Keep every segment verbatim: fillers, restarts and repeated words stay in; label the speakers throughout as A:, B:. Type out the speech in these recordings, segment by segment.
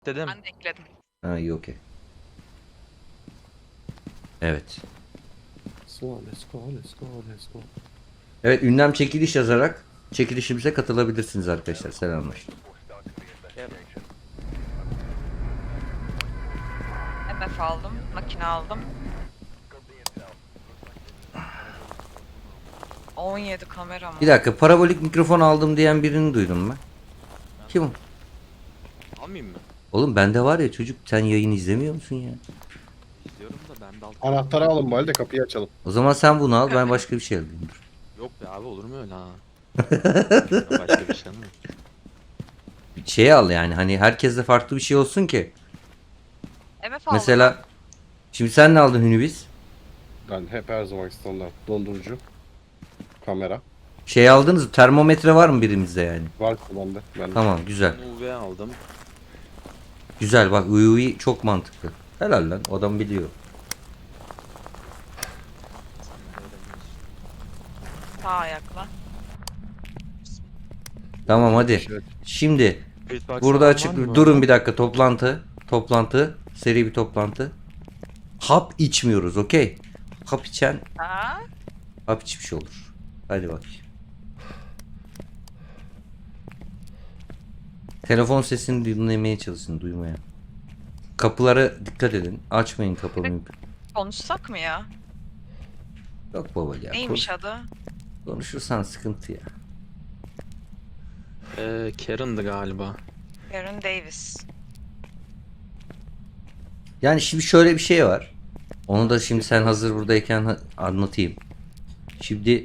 A: Dedim.
B: Ben de ekledim.
C: Ha iyi okey. Evet.
D: Let's go, let's go, let's go, let's go.
C: Evet, ünlem çekiliş yazarak çekilişimize katılabilirsiniz arkadaşlar. Selamlar.
B: M F aldım. Makine aldım. on yedi kamera mı?
C: Bir dakika, parabolik mikrofon aldım diyen birini duydum ben. Kim o?
A: Almayayım mı?
C: Oğlum bende var ya çocuk, sen yayın izlemiyor musun ya?
A: İzliyorum da ben de alt.
D: Anahtarı alın bari de kapıyı açalım.
C: O zaman sen bunu al, ben başka bir şey alayım. Dur.
A: Yok be abi, olur mu öyle ha? Başka bir şey mi?
C: Bir şey al yani, hani herkeste farklı bir şey olsun ki.
B: M F aldım.
C: Mesela şimdi sen ne aldın Hünübiz?
D: Ben hep her zaman standart. Dondurucu. Kamera.
C: Şey aldınız mı? Termometre var mı birimizde yani?
D: Var bende. Ben
C: Tamam, güzel.
A: Ben U V aldım.
C: Güzel bak, U V çok mantıklı. Helal lan, adam biliyor.
B: Sağ ayakla.
C: Tamam hadi.
D: Şey-
C: Şimdi
A: Feedback
C: burada
A: falan
C: açık
A: var mı?
C: durun bir dakika, toplantı. Toplantı. Seri bir toplantı. Hap içmiyoruz, okey. Hap içen
B: Ha?
C: hap içmiş olur. Hadi bak. Telefon sesini dinlemeye çalışın, duymaya. Kapılara dikkat edin. Açmayın kapıyı.
B: Konuşsak mı ya?
C: Yok baba ya.
B: Neymiş
C: konuş-
B: adı?
C: konuşursan sıkıntı ya.
A: Ee, Karen'dı galiba.
B: Karen Davis.
C: Yani şimdi şöyle bir şey var. Onu da şimdi sen hazır buradayken ha- anlatayım. Şimdi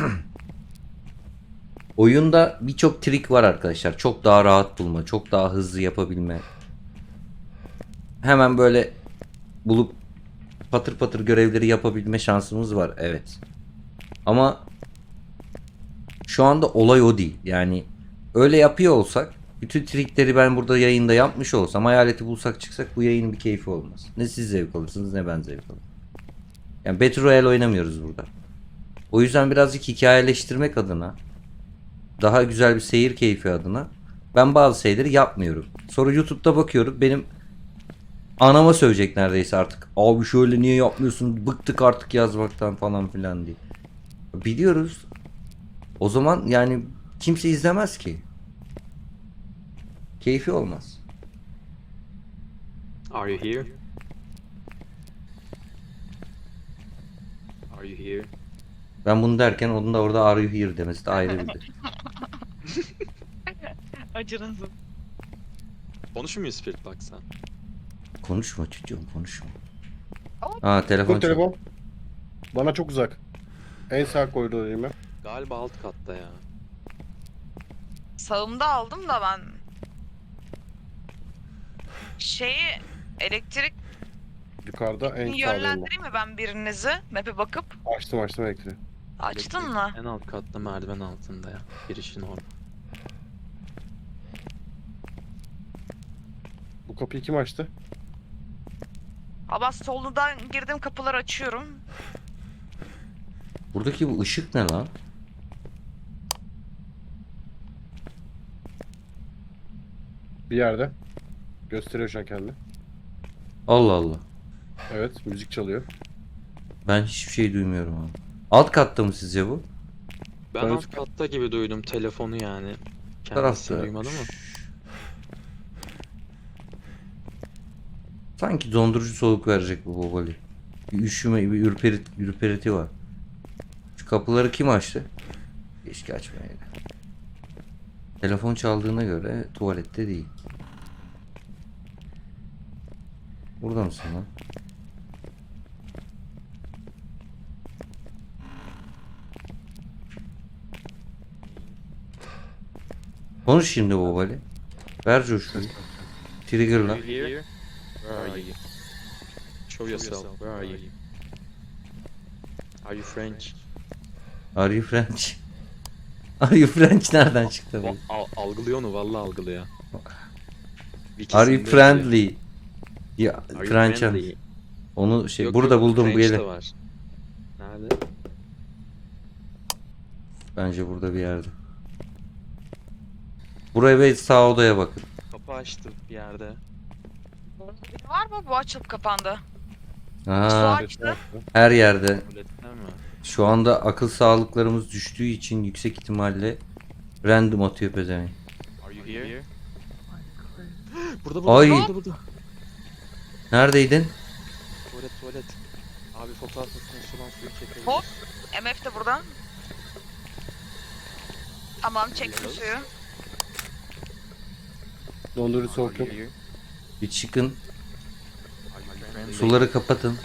C: oyunda birçok trik var arkadaşlar. Çok daha rahat bulma, çok daha hızlı yapabilme. Hemen böyle bulup patır patır görevleri yapabilme şansımız var. Evet. Ama şu anda olay o değil. Yani öyle yapıyor olsak, bütün trikleri ben burada yayında yapmış olsam, hayaleti bulsak çıksak, bu yayının bir keyfi olmaz. Ne siz zevk alırsınız ne ben zevk alırım. Yani Battle Royale oynamıyoruz burada. O yüzden birazcık hikayeleştirmek adına, daha güzel bir seyir keyfi adına ben bazı şeyleri yapmıyorum. Sonra YouTube'da bakıyorum, benim anama sövecek neredeyse artık. Abi şöyle niye yapmıyorsun? Bıktık artık yazmaktan falan filan diye. Biliyoruz. O zaman yani kimse izlemez ki. Keyfi olmaz.
A: Are you here? Are you here?
C: Ben bunu derken onun da orada are you here demesi de ayrı bir şey.
B: Acınızım.
A: Konuşur muyuz Feedback'sa?
C: Konuşma çocuğum, konuşma. Aa, telefon
D: Bu
C: çal-
D: telefon. Bana çok uzak. En sağ koridordayım ben.
A: Galiba alt katta ya.
B: Sağımda aldım da ben. Şeyi elektrik
D: Yukarıda en sağdayım
B: yönlendireyim mi ben birinizi? Map'e bakıp.
D: ben. Açtım açtım elektriği.
B: Açtın mı?
A: En alt katta, merdiven altında ya. Girişin orada.
D: Bu kapıyı kim açtı?
B: Ama solundan girdim, kapıları açıyorum.
C: Buradaki bu ışık ne lan?
D: Bir yerde. Gösteriyor şu an kendini.
C: Allah Allah.
D: Evet, müzik çalıyor.
C: Ben hiçbir şey duymuyorum abi. Alt katta mı sizce bu?
A: Ben
D: Ben
A: alt
D: üst-
A: katta gibi duydum telefonu yani. Kendisi
C: Tarafta.
A: duymadı mı?
C: Sanki dondurucu soğuk verecek bu babali. Bir üşüme, bir ürperit, ürperiti var. Şu kapıları kim açtı? Keşke açmayaydı. Telefon çaldığına göre tuvalette değil. Burada mısın lan? Konuş şimdi babali. Ver coşkuyu. Trigger'la.
A: Are you here? Where are you? Show yourself. Where are you? Are you French?
C: Are you French? Are you French nereden çıktı bu?
A: O, al, algılıyor onu, vallahi algılıyor.
C: Are you friendly? Ya
A: Are you
C: French.
A: friendly?
C: Onu şey
A: Yok,
C: burada
A: yok,
C: buldum bu
A: French de
C: yere.
A: var. Nerede?
C: Bence burada bir yerde. Buraya ve sağ odaya bakın.
A: Kapı açtı bir yerde.
B: Biri var mı? Bu açılıp kapandı. Su
C: Aa,
B: açtı.
C: her yerde.
A: Tuvalette mi?
C: Şu anda akıl sağlıklarımız düştüğü için yüksek ihtimalle random atıyor pezevenk.
A: Are you here? Burada burada
C: Ay.
A: burada burada.
C: Neredeydin?
A: Tuvalet tuvalet. Abi fotoğraf makinesi olan suyu çekelim.
B: Hop. M F de burada. Tamam çektim suyu.
D: Dondurucu soğuk yok.
C: Bir çıkın.
A: Suları
C: Suları kapatın.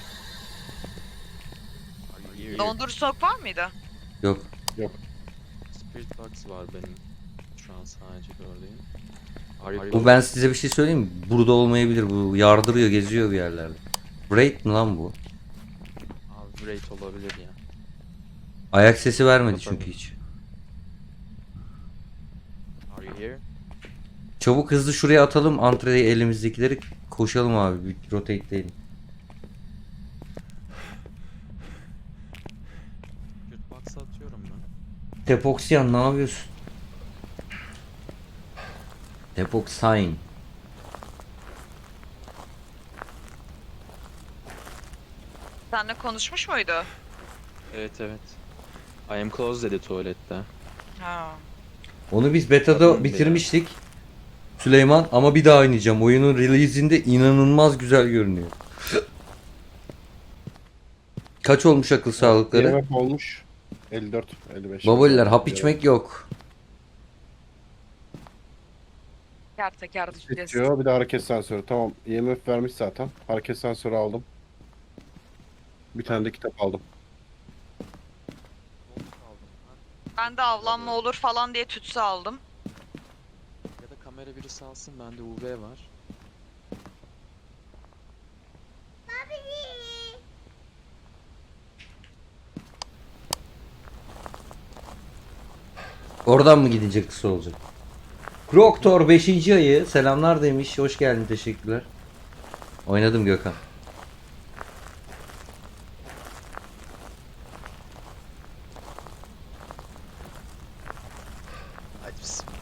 B: Dondurucu soğuk var mıydı?
C: Yok.
A: Spirit box var benim. Şu an sadece gördüğüm. Are you
C: Bu ben size bir şey söyleyeyim mi? Burada olmayabilir. Bu yardırıyor, geziyor bir yerlerde. Braid mi lan bu?
A: Abi great olabilir ya.
C: Ayak sesi vermedi
A: Kapatalım.
C: çünkü hiç.
A: Are you here?
C: Çabuk hızlı şuraya atalım. Antreye elimizdekileri koşalım abi. Bir rotate değil.
A: Spirit box'a atıyorum ben.
C: Tepoksiyan ne yapıyorsun? Tepoksayn.
B: Seninle konuşmuş muydu?
A: Evet evet. I am close dedi tuvalette.
B: Ha.
C: Onu biz beta'da
A: Tabii
C: bitirmiştik. Süleyman ama bir daha oynayacağım. Oyunun release'inde inanılmaz güzel görünüyor. Kaç olmuş akıl sağlıkları?
D: Yemek olmuş. elli dört, elli beş.
C: Babaliler hap içmek yok.
B: Teker teker düşeceğiz.
D: Bitiyor. Bir de hareket sensörü. Tamam. I M F vermiş zaten. Hareket sensörü aldım. Bir tane de kitap aldım.
B: Ben de avlanma olur falan diye tütsü aldım.
A: Ya da kamera birisi alsın, bende U V var.
C: Oradan mı gidecek kısa olacak? Kroktor beşinci ayı selamlar demiş. Hoş geldin, teşekkürler. Oynadım Gökhan.
A: Hadi bismillah.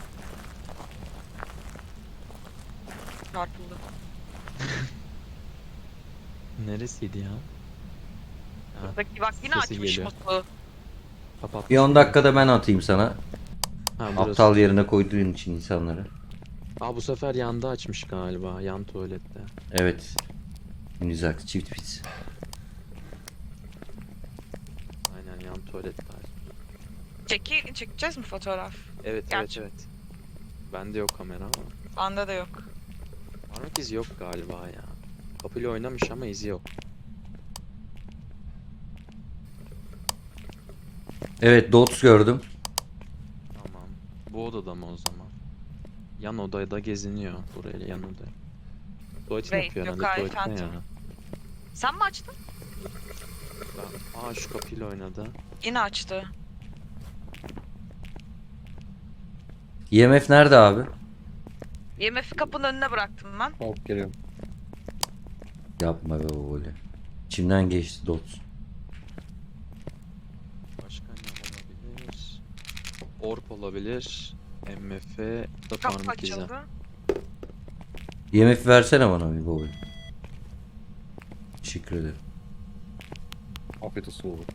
B: Çarpıldı.
A: Neresiydi ya? Ha,
B: Buradaki bak yine
A: Sesi
B: açmış
A: geliyor.
B: musluğu.
A: kapat.
C: Bir on dakikada ben atayım sana.
A: Ha, burası.
C: Aptal yerine koyduğun için insanları.
A: Aa, bu sefer yanda açmış galiba. Yan tuvalette.
C: Evet. Güzel çift pis.
A: Aynen, yan tuvalette.
B: Çeki, çekeceğiz mi fotoğraf?
A: Evet
B: Gerçi.
A: evet evet. Bende yok kamera ama.
B: Bende de yok.
A: Parmak izi yok galiba ya. Kapıyla oynamış ama izi yok.
C: Evet, dots gördüm.
A: Tamam. Bu odada mı o zaman? Yan odada geziniyor. Buraya yan odaya. Tuvaletini
B: Wait,
A: yapıyor
B: yok,
A: herhalde
B: hayır,
A: tuvalette ya.
B: Phantom. Sen mi açtın?
A: Ben... Aa, şu kapıyla oynadı.
B: Yine açtı.
C: I M F nerede abi?
B: I M F'i kapının önüne bıraktım ben.
D: Hop geliyorum.
C: Yapma be böyle. İçimden geçti dots.
A: Başka ne olabilir? Orp olabilir. M F da
B: Kapı
A: parmak izi.
B: açıldı.
C: I M F versene bana bir baba. Teşekkür ederim.
D: Afiyet olsun oğlum.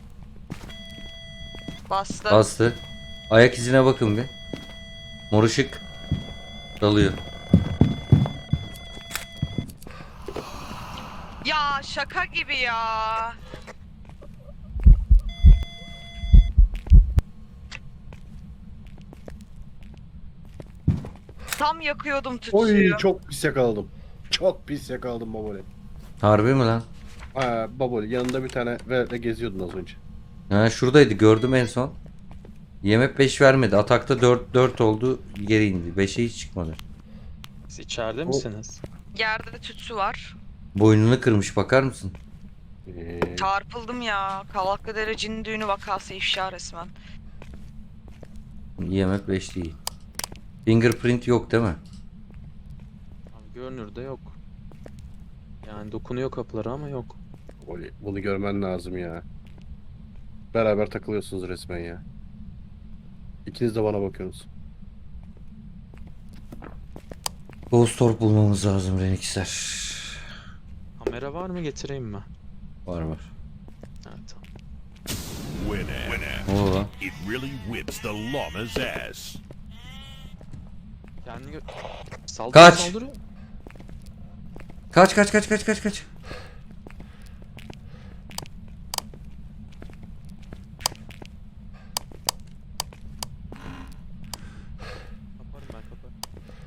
B: Bastı.
C: Bastı. Ayak izine bakın bir. Mor ışık dalıyor.
B: Ya şaka gibi ya. Tam yakıyordum tütsüyü.
D: Oy çok pis yakaladım. Çok pis yakaladım Baboli.
C: Harbi mi lan?
D: Ha Baboli yanında bir tane ve geziyordun az önce.
C: Ha, şuradaydı, gördüm en son. I M F beş vermedi. Atakta dört dört oldu, geri indi. beşe hiç çıkmadı.
A: Siz içeride
D: O-
A: misiniz?
B: Yerde tütsü var.
C: Boynunu kırmış, bakar mısın?
D: Ee,
B: Çarpıldım ya. Kavaklıdere cin düğünü vakası ifşa resmen.
C: I M F beş değil. Fingerprint yok değil mi?
A: Abi görünürde yok. Yani dokunuyor kapılara ama yok.
D: Baboli bunu görmen lazım ya. Beraber takılıyorsunuz resmen ya. İkiniz de bana bakıyorsunuz.
C: Ghost Orb bulmamız lazım Renixler.
A: Kamera var mı, getireyim mi?
C: Var var.
A: Evet tamam.
E: Winner.
C: Ne oldu lan?
E: It really whips the llama's ass.
A: Kendini gö... Saldırı
C: Kaç!
A: saldırı.
C: Kaç kaç kaç kaç kaç kaç.
A: Kaparım ben, kaparım.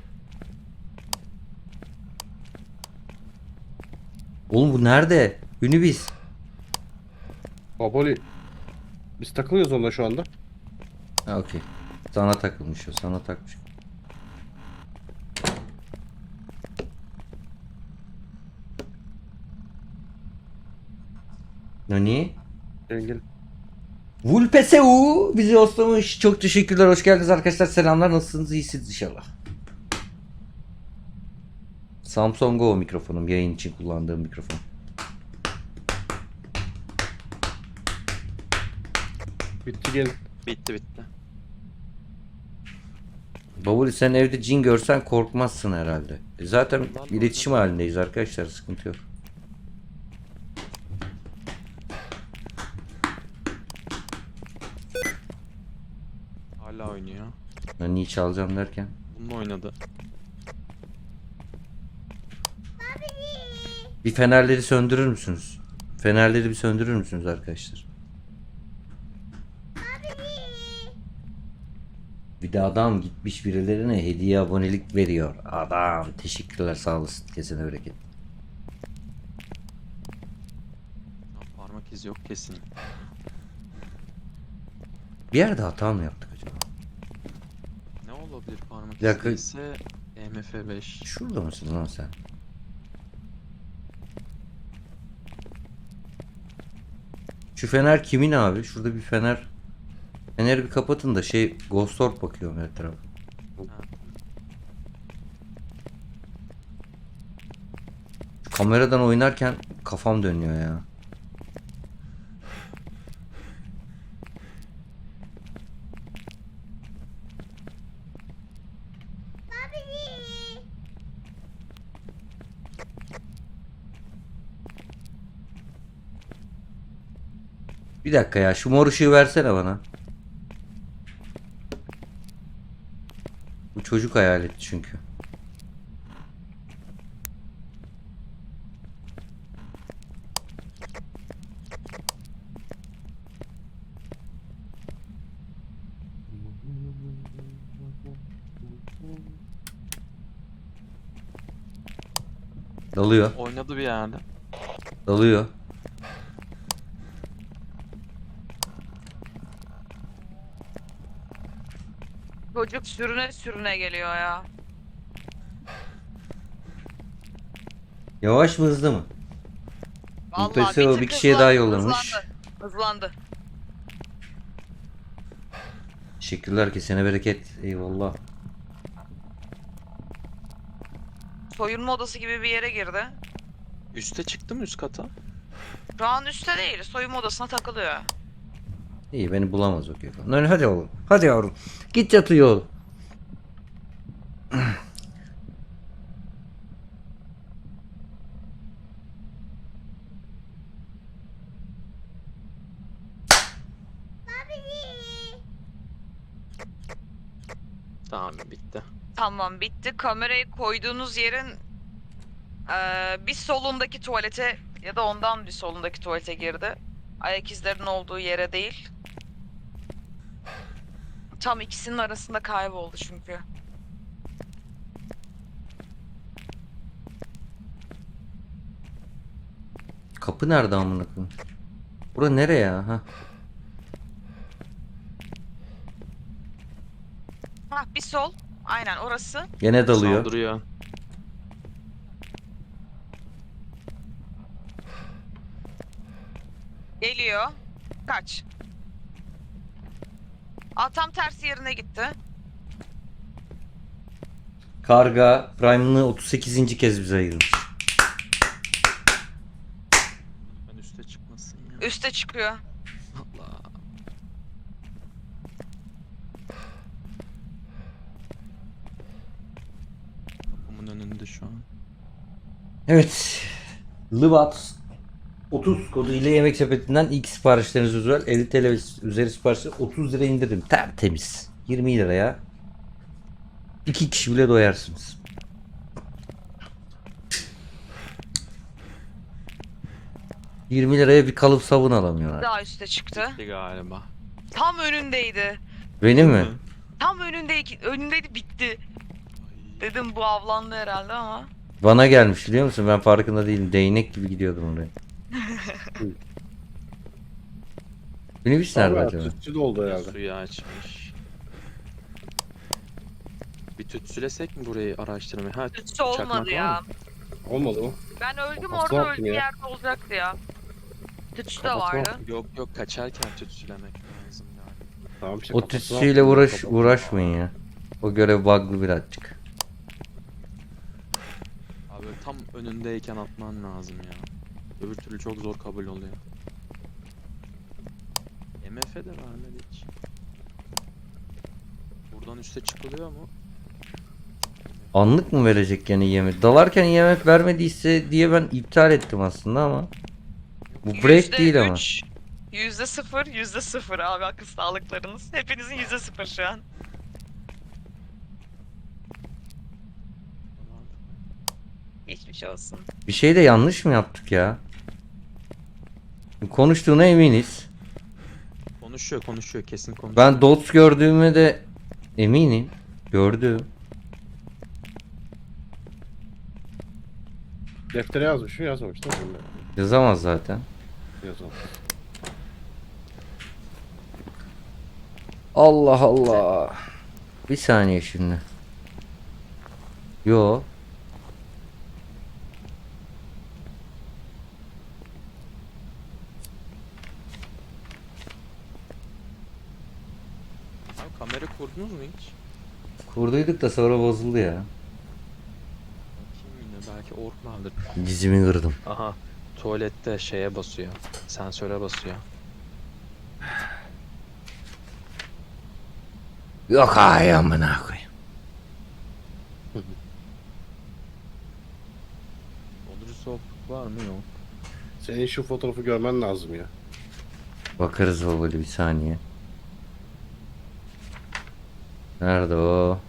C: Oğlum bu nerede? Ünibis.
D: Baboli. Biz takılıyoruz onunla şu anda.
C: Ha okey. Sana takılmış o. Sana takmış. Nani?
D: Engin.
C: Vulpeseu bizi hoslamış. Çok teşekkürler. Hoş geldiniz arkadaşlar. Selamlar. Nasılsınız? İyisiniz inşallah. Samsung Go mikrofonum. Yayın için kullandığım mikrofon.
D: Bitti gelin.
A: Bitti bitti.
C: Babuli sen evde cin görsen korkmazsın herhalde. E zaten
A: Vallahi
C: iletişim
A: öyle.
C: halindeyiz arkadaşlar. Sıkıntı yok.
A: Hala oynuyor.
C: Nani'yi çalacağım derken.
A: Bununla oynadı.
C: Bir fenerleri söndürür müsünüz? Fenerleri bir söndürür müsünüz arkadaşlar? Bir de adam gitmiş birilerine hediye abonelik veriyor. Adam teşekkürler sağ olasın. Kesene bereket.
A: Ha, parmak izi yok kesin.
C: Bir yerde hata mı yaptık acaba?
A: Ne olabilir parmak
C: Bir dakika.
A: izi ise E M F beş.
C: Şurada mısın lan sen? Şu fener kimin abi? Şurada bir fener. Feneri bir kapatın da şey Ghost Orb bakıyorum her tarafa. Şu kameradan oynarken kafam dönüyor ya. Bir dakika ya şu mor ışığı versene bana. Bu çocuk hayaleti çünkü. Dalıyor.
A: Oynadı bir yerde.
C: Dalıyor.
B: Çocuk sürüne sürüne geliyor ya.
C: Yavaş mı hızlı mı?
B: Vallahi
C: Vulpeseu
B: tık
C: bir kişiye
B: hızlandı,
C: daha yollamış.
B: Hızlandı. Hızlandı.
C: Teşekkürler kesene bereket. Eyvallah.
B: Soyunma odası gibi bir yere girdi.
A: Üste çıktı mı, üst kata?
B: Şu an üstte değil. Soyunma odasına takılıyor.
C: İyi beni bulamaz o Gökhan. Lan hadi oğlum. Hadi yavrum. Git yat uyu oğlum.
A: Tamam bitti.
B: Tamam bitti. Kamerayı koyduğunuz yerin eee, bir solundaki tuvalete ya da ondan bir solundaki tuvalete girdi. Ayak izlerinin olduğu yere değil. Tam ikisinin arasında kayboldu çünkü.
C: Kapı nerede amına koyayım? Bura nereye ya? Ha.
B: Hah bir sol. Aynen orası.
C: Gene dalıyor.
A: Saldırıyor.
B: Geliyor. Kaç. Aa, tam tersi yerine gitti.
C: Karga Prime'ını otuz sekizinci kez bize ayırmış.
A: Ben üste çıkmasın ya.
B: Üste çıkıyor.
A: Allah. Kapımın önünde. şu an.
C: Evet. Lıvat otuz kodu ile Yemek Sepeti'nden ilk siparişleriniz özel elli TL ve üzeri siparişler otuz lira indirim. Tertemiz. yirmi liraya iki kişi bile doyarsınız. yirmi liraya bir kalıp sabun alamıyorlar.
B: Daha üste çıktı.
A: Bitti galiba.
B: Tam önündeydi.
C: Benim mi?
B: Tam önündeydi, önündeydi bitti. Dedim bu avlandı herhalde ama.
C: Bana gelmiş biliyor musun? Ben farkında değilim. Değnek gibi gidiyordum oraya. Minibüs nerede
D: Abi
C: acaba?
D: tütsü de oldu herhalde.
A: Suyu açmış. Bir tütsülesek mi burayı araştırmayı? Ha,
B: Tütsü
A: çakmak
B: olmadı
A: var
B: ya.
A: mı?
D: Olmadı mı?
B: Ben öldüm
D: Kafasına
B: orada
D: attın
B: öldüğü
D: ya.
B: yerde olacaktı ya. Tütsü de
D: Kafasına
B: vardı.
D: attın.
A: Yok yok, kaçarken tütsülemek lazım yani.
D: Tamam işte
C: O
D: kafasına
C: tütsüyle
D: attın,
C: uğraş
D: kafasına.
C: uğraşmayın ya. O görev bug'lı birazcık.
A: Abi tam önündeyken atman lazım ya. Öbür türlü çok zor kabul oluyor. M F de vermedi hiç. Buradan üste çıkılıyor mu?
C: Anlık mı verecek yani yemek? Dalarken yemek vermediyse diye ben iptal ettim aslında ama. Bu break
B: Yüzde
C: değil ama.
B: üç, Yüzde sıfır, yüzde sıfır abi akıl sağlıklarınız. Hepinizin yüzde sıfır şu an. Geçmiş olsun.
C: Bir şey de yanlış mı yaptık ya? Konuştuğuna eminiz.
A: Konuşuyor konuşuyor, kesin konuşuyor.
C: Ben dots gördüğüme de eminim. Gördüm.
D: Deftere yazmış mı yazmamış değil mi?
C: Yazamaz zaten.
D: Yazalım.
C: Allah Allah. Bir saniye şimdi. Yo.
A: Abi kamera kurdunuz mu hiç?
C: Kurduyduk da sonra bozuldu ya.
A: Bakayım yine, belki ork vardır.
C: Dizimi kırdım.
A: Aha, tuvalette şeye basıyor. Sensöre basıyor.
C: Yok ay amına koyayım.
A: Dondurucu soğukluk var mı? Yok.
D: Senin şu fotoğrafı görmen lazım ya.
C: Bakarız babali bir saniye. Nerede o?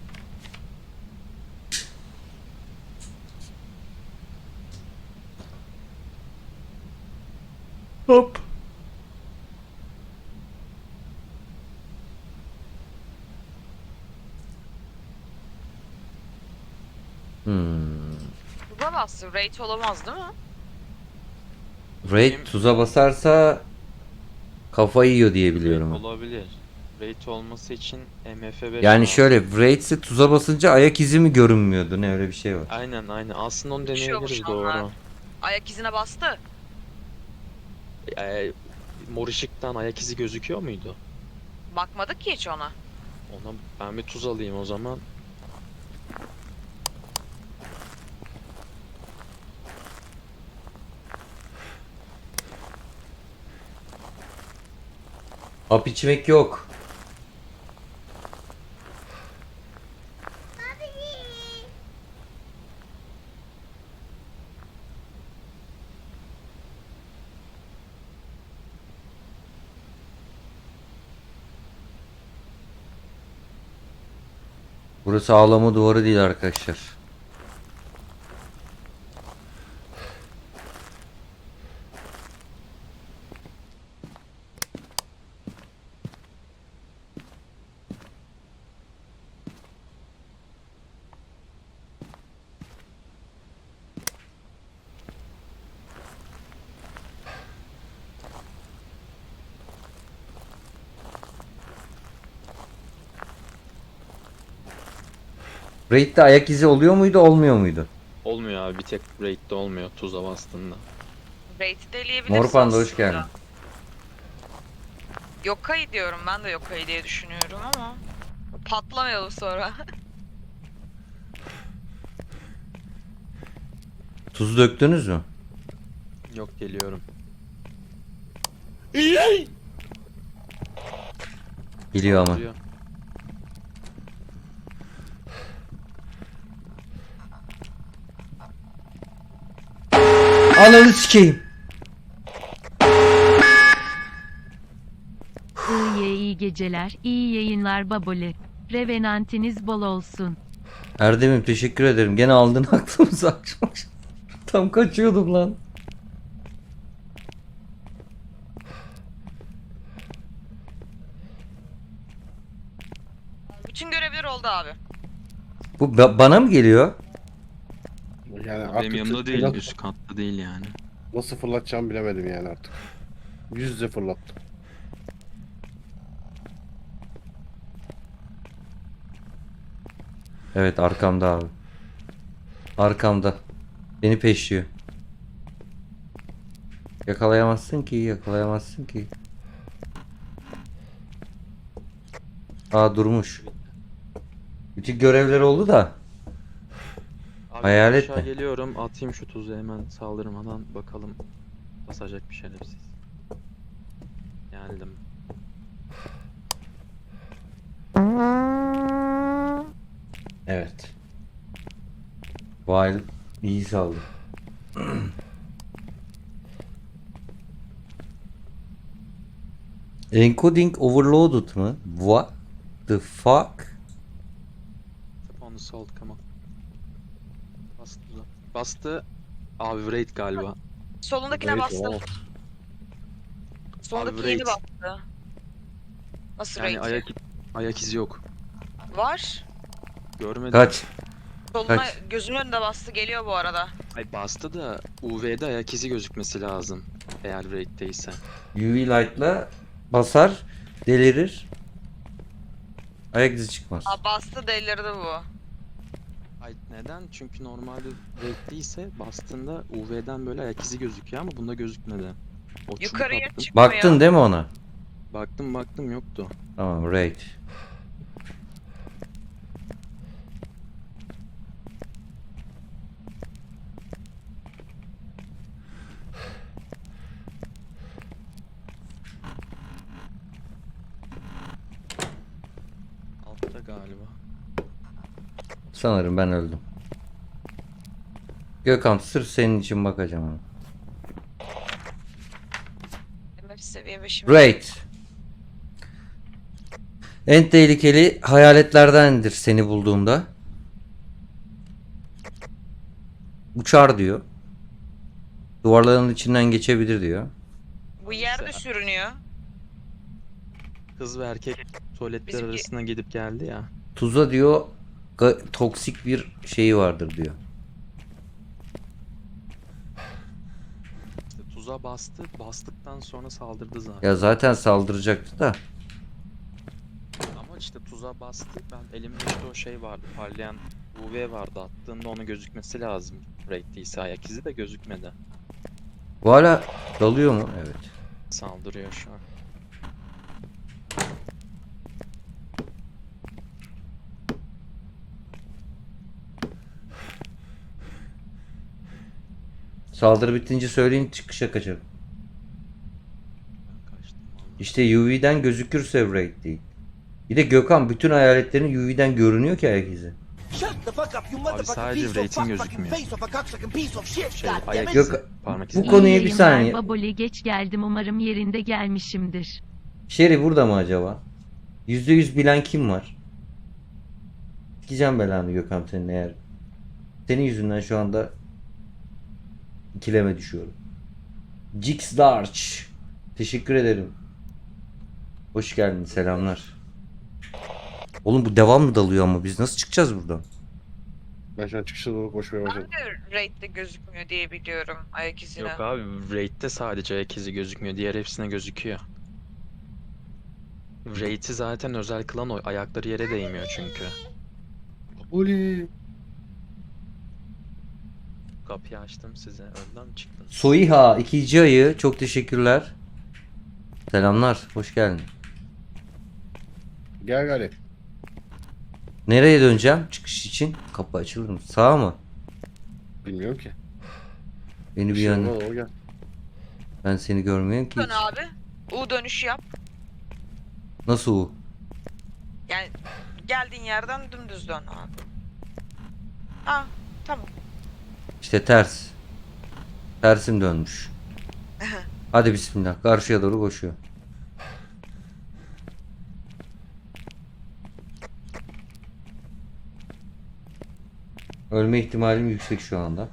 C: Hop. Hmm.
B: Tuza bastı. Rate olamaz değil mi?
C: Raid tuza basarsa kafayı yiyor diye biliyorum.
A: Olabilir. Rate olması için M F beş
C: Yani
A: lazım.
C: şöyle Raid'se tuza basınca ayak izi mi görünmüyordu, ne öyle bir şey var.
A: Aynen aynen. Aslında onu
B: Düşüyormuş
A: deneyebiliriz,
B: onlar.
A: doğru.
B: Ayak izine bastı.
A: Ee, mor ışıktan ayak izi gözüküyor muydu?
B: Bakmadık ki hiç ona.
A: Ona ben bir tuz alayım o zaman.
C: Hap içmek yok. Burası ağlama duvarı değil arkadaşlar. Raid'de ayak izi oluyor muydu, olmuyor muydu?
A: Olmuyor abi, bir tek rate'de olmuyor tuza bastığında.
B: Rate'i deleyebiliriz
C: Mor Panda hoş
B: aslında.
C: geldin.
B: Yokai diyorum. Ben de Yokai diye düşünüyorum ama. Patlamayalım sonra.
C: Tuz döktünüz mü?
A: Yok, geliyorum.
C: Biliyor ama.
A: Saldırıyor.
C: Ananı sikeyim.
F: İyi iyi geceler, iyi yayınlar baboli. Revenantiniz bol olsun.
C: Erdem'im teşekkür ederim. Gene aldın aklımızı akşam. Tam kaçıyordum lan.
B: Bütün görevler oldu abi.
C: Bu ba- bana mı geliyor?
D: Yani
A: Benim
D: artık
A: yanımda değil,
D: fırlat-
A: üst katta değil yani.
D: Nasıl fırlatacağımı bilemedim yani artık. Yüz yüze fırlattım.
C: Evet arkamda abi. Arkamda. Beni peşliyor. Yakalayamazsın ki, yakalayamazsın ki. Aa durmuş. Bütün görevler oldu da.
A: Abi
C: Hayalet
A: aşağı
C: mi?
A: geliyorum, atayım şu tuzu hemen saldırmadan, bakalım basacak bir şerefsiz. Geldim.
C: Evet. Vay iyi saldı. Encoding overloaded mı? What the fuck?
A: Tap on the salt, come on. Bastı. Bastı. Abi raid galiba.
B: Solundakine
D: Raid,
B: bastım.
D: wow.
B: Solundaki
A: Abi,
B: yeni
A: raid.
B: bastı. Nasıl
A: Yani
B: raid?
A: ayak ayak izi yok.
B: Var.
A: Görmedim.
C: Kaç?
B: Soluna
C: Kaç?
B: gözünün önünde bastı, geliyor bu arada.
A: Ay bastı da U V'de ayak izi gözükmesi lazım. Eğer raid'deyse.
C: U V light'la basar, delirir. Ayak izi çıkmaz.
B: Aa, bastı, delirdi bu.
A: Ay neden? Çünkü normalde raid'deyse bastığında U V'den böyle ayak izi gözüküyor ama bunda gözükmedi. O çubuk
B: Yukarıya
A: attım.
B: çıkmıyor.
C: Baktın değil mi ona?
A: Baktım baktım yoktu.
C: Tamam, raid.
A: Altta galiba.
C: Sanırım ben öldüm. Gökhan sırf senin için bakacağım ama.
B: M F seviye beşim.
C: Raid. En tehlikeli hayaletlerdendir seni bulduğumda. Uçar diyor. Duvarların içinden geçebilir diyor.
B: Bu yerde
A: Mesela.
B: sürünüyor.
A: Kız ve erkek tuvaletler
B: Bizimki-
A: arasına gidip geldi ya.
C: Tuza diyor ga- toksik bir şeyi vardır diyor.
A: İşte tuza bastı. Bastıktan sonra saldırdı zaten.
C: Ya zaten saldıracaktı da.
A: Ama işte tuza bastı. Ben elimde işte o şey vardı. Parlayan U V vardı. Attığında onu gözükmesi lazım. Raid'deyse ayak izi de gözükmedi.
C: Bu hala dalıyor mu? Evet.
A: Saldırıyor şu an.
C: Saldırı bitince söyleyin çıkışa kaçarım.
A: Ben kaçtım vallahi.
C: İşte U V'den gözükürse raid değil. Bir de Gökhan bütün hayaletlerin U V'den görünüyor ki ayak izi.
A: Abi sadece rating gözükmüyor. Şey ayak
C: Yok,
A: izi. Parmak
C: bu
A: izi.
C: konuya
F: İyi
C: bir
F: yayınlar
C: saniye.
F: baboli, geç geldim, umarım yerinde gelmişimdir.
C: Sherry burada mı acaba? Yüzde yüz bilen kim var? Sikeceğim belanı Gökhan senin eğer. Senin yüzünden şu anda ikileme düşüyorum. Jix Large. Teşekkür ederim. Hoş geldin, selamlar. Oğlum bu devam mı dalıyor ama biz nasıl çıkacağız buradan?
D: Ben şu an çıkışa doğru koşmaya
B: Ben
D: başladım.
B: de raid'de gözükmüyor diye biliyorum ayak izine.
A: Yok abi raid'de sadece ayak izi gözükmüyor. Diğer hepsine gözüküyor. Raid'i zaten özel kılan o. Ayakları yere değmiyor çünkü.
D: Oli.
A: Kapıyı açtım size. Önden mi çıktınız?
C: Soiha ikinci ayı çok teşekkürler. Selamlar, hoş geldin.
D: Gel gari.
C: Nereye döneceğim çıkış için? Kapı açılır mı? Sağa mı?
D: Bilmiyorum ki.
C: Beni bir
D: şey
C: yana.
D: olmaz, o gel.
C: Ben seni görmüyorum ki
B: Dön
C: hiç.
B: abi. U dönüşü yap.
C: Nasıl o?
B: Yani geldiğin yerden dümdüz dön abi. Ha, tamam.
C: İşte ters. Tersim dönmüş. Hadi bismillah. Karşıya doğru koşuyor. Ölme ihtimalim yüksek şu anda.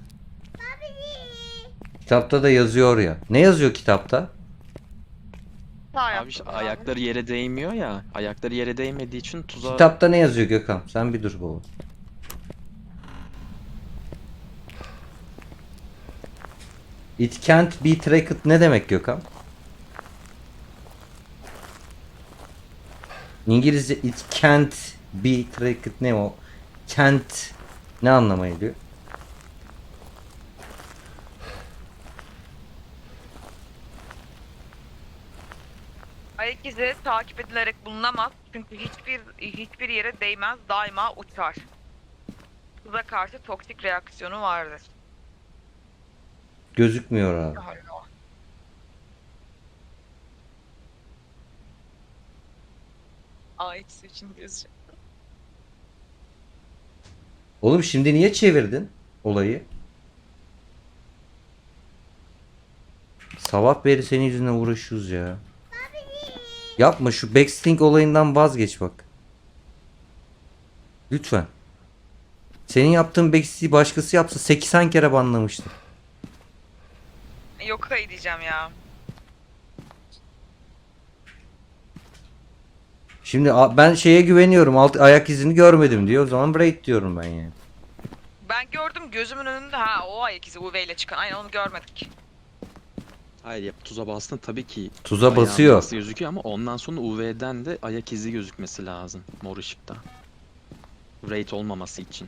C: Kitapta da yazıyor ya. Ne yazıyor kitapta?
B: Sağ
A: Abi
B: yaptım
A: işte
B: abi.
A: ayakları yere değmiyor ya. Ayakları yere değmediği için tuzağa...
C: Kitapta ne yazıyor Gökhan? Sen bir dur baba. It can't be tracked ne demek Gökhan? İngilizce it can't be tracked ne o? Can't ne anlama geliyor?
B: Ayak izi takip edilerek bulunamaz. Çünkü hiçbir hiçbir yere değmez. Daima uçar. Tuza karşı toksik reaksiyonu vardır.
C: Gözükmüyor abi.
B: Ayak izi için gözecek.
C: Oğlum şimdi niye çevirdin olayı? Sabah beri senin yüzünden uğraşıyoruz ya. Yapma şu backsting olayından vazgeç bak. Lütfen. Senin yaptığın backsting'i başkası yapsa seksen kere banlamıştı.
B: Yok hayır diyeceğim ya.
C: Şimdi a- ben şeye güveniyorum. Alt ayak izini görmedim diyor. O zaman braid diyorum ben yani.
B: Ben gördüm gözümün önünde. Ha o ayak izi U V ile çıkan. Aynen onu görmedik.
A: Hayır ya tuza bastığında tabii ki
C: Tuza
A: ayağın
C: basıyor.
A: izi gözüküyor ama ondan sonra U V'den de ayak izi gözükmesi lazım mor ışıkta. Rate olmaması için.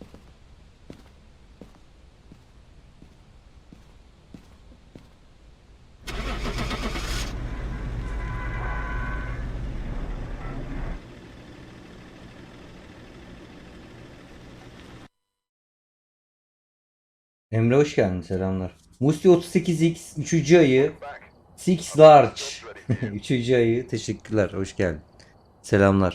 C: Emre hoş geldin. Selamlar. Musti otuz sekiz X üçüncü ayı Six Large üçüncü ayı teşekkürler. Hoş geldin. Selamlar.